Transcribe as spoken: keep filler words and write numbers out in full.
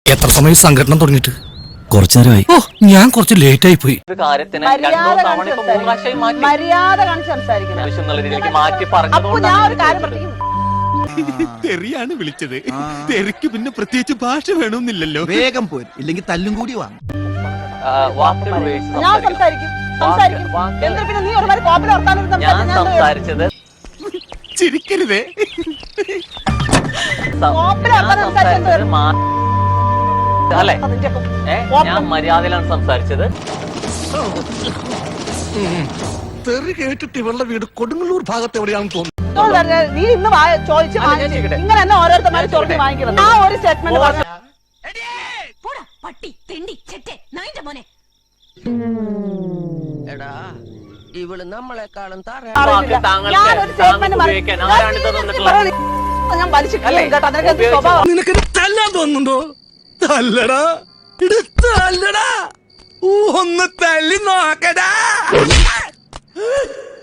എത്ര സമയം സംഘടന തുടങ്ങിയിട്ട്? കുറച്ചു നേരമായി. ഓ, ഞാൻ കുറച്ച് ലേറ്റ് ആയി പോയി. മര്യാദ കാണിച്ച് സംസാരിക്കണം. തെറിയാണ് വിളിച്ചത്. തെറിക്ക് പിന്നെ പ്രത്യേകിച്ച് ഭാഷ വേണമെന്നില്ലല്ലോ. വേഗം പോരും, ഇല്ലെങ്കിൽ തല്ലും കൂടി വാങ്ങും. ഞാൻ സംസാരിക്കും സംസാരിക്കും എന്താ പിന്നെ നീ ഒരുമാതിരി കോപ്പിൽ വർത്താനം സംസാരിച്ചത് ചിരിക്കരുതേ. കോപ്പിൽ വർത്താനം സംസാരിച്ചത് അല്ലെ? ഞാൻ മര്യാദയിലാണ് സംസാരിച്ചത്. തെറി കേട്ടിട്ട് ഇവളുടെ വീട് കൊടുങ്ങല്ലൂർ ഭാഗത്ത് എവിടെയാണെന്ന് തോന്നുന്നു. നീ ഇന്ന് ചോദിച്ചു ഇങ്ങനെ തന്നെ ഓരോരുത്തന്മാര് ചോദിച്ച് വാങ്ങിക്കുന്നത്. ആ ഒരു സ്റ്റേറ്റ്മെന്റ് പറഞ്ഞു. ഇവള് നമ്മളെക്കാളും ഞാൻ വലിച്ചു കേട്ടോ. നിനക്ക് സ്വഭാവം നിനക്ക് തല്ലാൻ തോന്നുന്നുണ്ടോ? തല്ലടാ, തല്ലടാ, ഒന്ന് തല്ലി നോക്കടാ.